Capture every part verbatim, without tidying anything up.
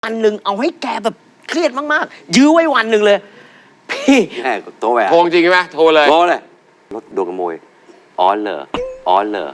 วันหนึ่งเอาให้แกแบบเครียดมากๆยื้อไว้วันหนึ่งเลยพี่แม่โทรไปโทรจริงไหมโทรเลยโทรเลยรถโดนขโมยอ๋อเหรออ๋อเหรอ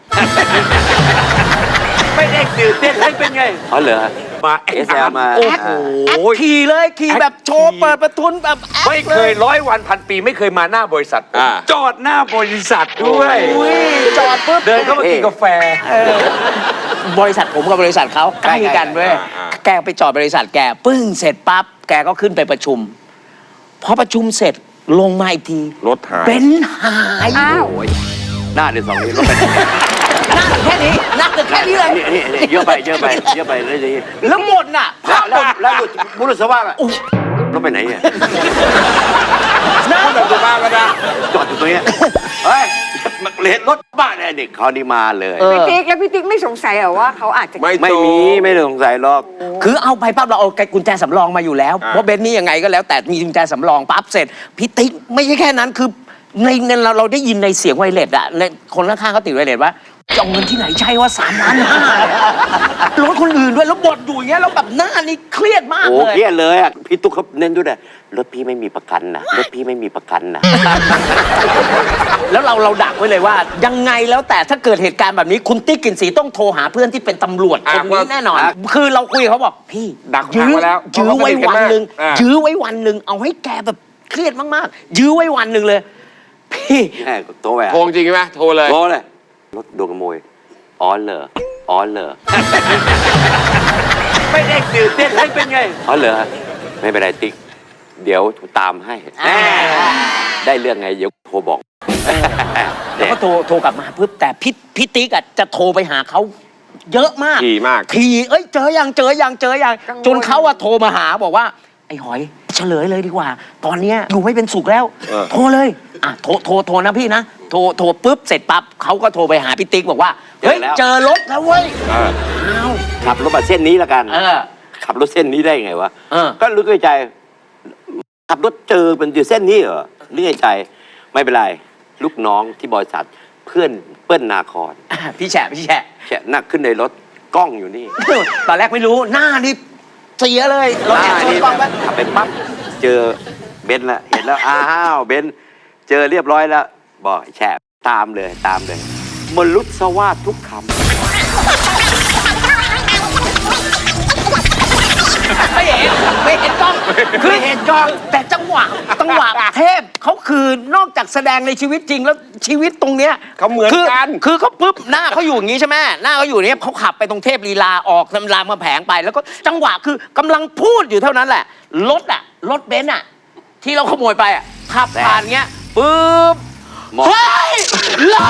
ไม่ได้ตื่นเต้นให้เป็นไงอ๋อเหรอมาเอสแอลมาโอ้โหขี่เลยขี่แบบโชว์เปิดประทุนแบบไม่เคยร้อยวันพันปีไม่เคยมาหน้าบริษัทจอดหน้าบริษัทด้วยจอดปุ๊บเดินเข้ามากินกาแฟบริษัทผมกับบริษัทเขาใกล้กันเว้ยแกไปจอดบริษัทแกปึ้งเสร็จปั๊บแกก็ขึ้นไปประชุมพอประชุมเสร็จลงมาอีกทีรถหายเป็นหายอ้าวหน้าเดือดสองนี้รถเป็นหน้าแค่นี้หน้าแค่นี้เลยนี่เยอะไปเยอะไปเยอะไปเลยดีแล้วหมดน่ะแล้วแล้วบุรุษสว่างอ่ะรถไปไหนเนี่ยพูดแบบบ้าก็ได้จอดอยู่ตรงนี้เฮ้ยเลนรถบ้านเนี่ยเด็กเขานี่มาเลยพี่ติ๊กแล้วพี่ติ๊กไม่สงสัยเหรอว่าเขาอาจจะไม่มีไม่สงสัยหรอกคือเอาไปปั๊บเราเอากุญแจสำรองมาอยู่แล้วเพราะเบนนี่ยังไงก็แล้วแต่มีกุญแจสำรองปั๊บเสร็จพี่ติ๊กไม่ใช่แค่นั้นคือในเราเราได้ยินในเสียงไวเลสอะในคนข้างๆเขาติดไวเลสว่าจะเอาเงินที่ไหนใช่ว่าสามล้านห้ารถคนอื่นด้วยแล้วบดอยู่อย่างเงี้ยแล้วแบบหน้านี่เครียดมากเลยโอ้เครียดเลยอ่ะพี่ตุ๊กเขาเน้นด้วยนะรถพี่ไม่มีประกันนะรถพี่ไม่มีประกันนะแล้วเราเราดักไว้เลยว่ายังไงแล้วแต่ถ้าเกิดเหตุการณ์แบบนี้คุณติ๊กกลิ่นสีต้องโทรหาเพื่อนที่เป็นตำรวจคนนี้แน่นอนคือเราคุยเขาบอกพี่ดักยื้อแล้วยื้อไว้วันหนึ่งยื้อไว้วันหนึ่งเอาให้แกแบบเครียดมากๆยื้อไว้วันหนึ่งเลยพี่แม่โทรไปโทรจริงไหมโทรเลยโทรเลยรถโดนขโมยอ๋อเหรออ๋อเหรอไม่ได้ตื่นเต้นให้เป็นไงอ๋อเหรอไม่เป็นไรติ๊กเดี๋ยวตามให้ได้เรื่องไงเดี๋ยวโทรบอกแล้วก็โทรโทรกลับมาปุ๊บแต่พี่พี่ติ๊กอ่ะจะโทรไปหาเขาเยอะมากทีมากทีเอ้ยเจอยังเจอยังเจอยังจนเขาอะโทรมาหาบอกว่าไอ้หอยเฉลยเลยดีกว่าตอนเนี้ยอยู่ไม่เป็นสุขแล้วโทรเลยอ่ะโทรโทรโทรนะพี่นะโทรโทรปุ๊บเสร็จปั๊บเขาก็โทรไปหาพี่ติ๊กบอกว่าเฮ้ยเจอรถแล้วเว้ยอ้าวขับรถมาเส้นนี้ละกันขับรถเส้นนี้ได้ไงวะก็รู้ในใจขับรถเจอเป็นอยู่เส้นนี้เหรอรู้ในใจไม่เป็นไรลูกน้องที่บริษัทเพื่อนเปิ้ลนาครพี่แฉะพี่แฉะแฉะนั่งขึ้นในรถกล้องอยู่นี่ตอนแรกไม่รู้หน้านี่เสียเลยเราแอบชนกล้องไปขับไปปั๊บเจอเบนซ์ละเห็นแล้วอ้าวเบนซ์เจอเรียบร้อยแล้วบอกแฉะตามเลยตามเลยมลุสวาดทุกคำไม่เห็นไม่เห็นกล้องคือเห็นกล้องแต่จังหวะจังหวะเทพเขาคือนอกจากแสดงในชีวิตจริงแล้วชีวิตตรงเนี้ยเขาเหมือนกันคือเขาปุ๊บหน้าเขาอยู่อย่างนี้ใช่ไหมหน้าเขาอยู่เนี้ยเขาขับไปตรงเทพลีลาออกรามมาแผงไปแล้วก็จังหวะคือกำลังพูดอยู่เท่านั้นแหละรถอะรถเบนซ์อะที่เราขโมยไปอะขับผ่านเงี้ยปุ๊บเฮ้ยรถ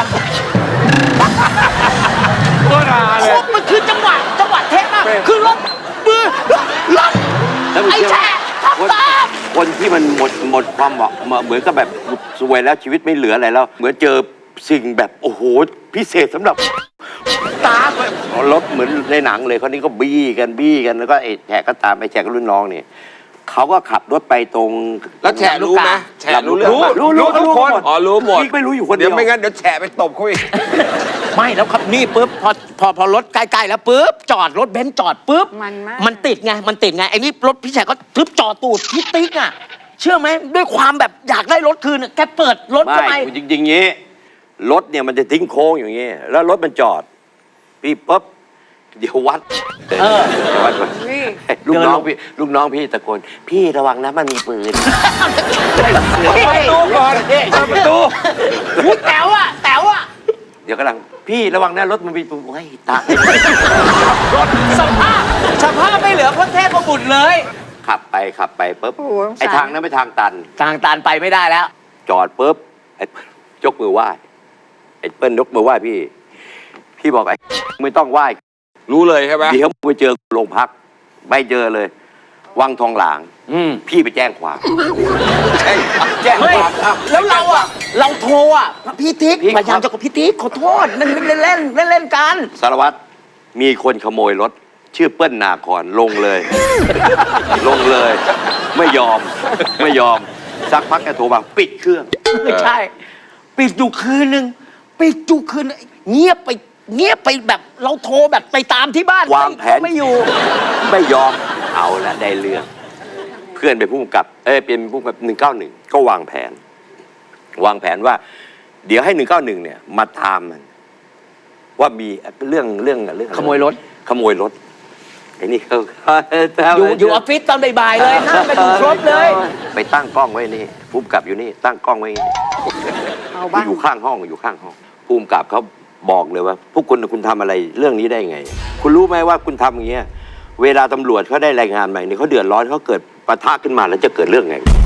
โคตรฮาเลยมันคือจังหวะจังหวะเทพมากคือรถมือรถไอ้แฉะขับตามคนที่มันหมดหมดความหวังเหมือนกับแบบสวยแล้วชีวิตไม่เหลืออะไรแล้วเหมือนเจอสิ่งแบบโอ้โหพิเศษสำหรับตามรถเหมือนในหนังเลยคนนี้ก็บี้กันบี้กันแล้วก็ไอ้แฉะก็ตามไปแฉะก็รุ่นน้องนี่เขาก็ขับรถไปตรงแล้วแฉะรู้ไหมแฉะรู้รู้รู้รู้ทุกคนอ๋อรู้หมดไม่รู้อยู่คนเดียวไม่งั้นเดี๋ยวแฉะไปตบเขาอีกไม่แล้วครับนี่ปุ๊บพอพอพอรถใกล้ๆแล้วปุ๊บจอดรถเบนซ์จอดปุ๊บมันมากมันติดไงมันติดไงไอ้นี่รถพี่แฉะก็ทึบจอดตูดพี่ติ๊กอ่ะเชื่อไหมด้วยความแบบอยากได้รถคืนแกเปิดรถทำไมจริงๆงี้รถเนี่ยมันจะทิ้งโค้งอย่างงี้แล้วรถมันจอดพี่ปุ๊บเดี๋ยววัดเออวัดก่อนลูกน้องพี่ลูกน้องพี่ตะโกนพี่ระวังนะมันมีปืนประตูก่อนเปิดประตูแต๋วอ่ะแต๋วอ่ะเดี๋ยวกำลังพี่ระวังนะรถมันมีปืนโอ้ยตายรถสภาพสภาพไม่เหลือพระเทพบุตรเลยขับไปขับไปปุ๊บไอ้ทางนั้นไม่ทางตันทางตันไปไม่ได้แล้วจอดปุ๊บไอ้ยกมือไหว้ไอ้เปิ้ลยกมือไหว้พี่พี่บอกไอ้ไม่ต้องไหว้รู้เลยใช่ไหมเดี๋ยวไปเจอโรงพักไม่เจอเลยวังทองหลางพี่ไปแจ้งความแจ้งความแล้วเราอ่ะเราโทรอ่ะพี่ติ๊กพยายามจะกับพี่ติ๊กขอโทษเล่นเล่นเล่นเล่นเล่นกันสารวัตรมีคนขโมยรถชื่อเปิ้ลนาครลงเลยลงเลยไม่ยอมไม่ยอมสักพักแกโทรมาปิดเครื่องใช่ปิดอยู่คืนนึงปิดอยู่คืนเงียบไปเงียบไปแบบเราโทรแบบไปตามที่บ้านวางแผนไม่อยู่ไม่ยอมเอาละได้เรื่อง เพื่อนเป็นผู้กำกับ เอ้ยเป็นผู้กำกับหนึ่งเก้าหนึ่งก็วางแผน วางแผนว่า เดี๋ยวให้หนึ่งเก้าหนึ่งเนี่ยมาตามมัน ว่ามีเรื่องเรื่องเรื่องอะไรขโมยรถขโมยรถไอ้นี่เขาอยู่อยู่ออฟฟิศตอนบ่ายๆเลยนั่งกันอยู่ครบเลยไปตั้งกล้องไว้นี่ผู้กำกับอยู่นี่ตั้งกล้องไว้นี่เอาบ้างอยู่ข้างห้องอยู่ข้างห้องผู้กำกับเขาบอกเลยว่า พวกคุณคุณทำอะไรเรื่องนี้ได้ไง คุณรู้ไหมว่าคุณทำอย่างเงี้ยเวลาตำรวจเขาได้รายงานมาเนี่ยเขาเดือดร้อนเขาเกิดปะทะขึ้นมาแล้วจะเกิดเรื่องไง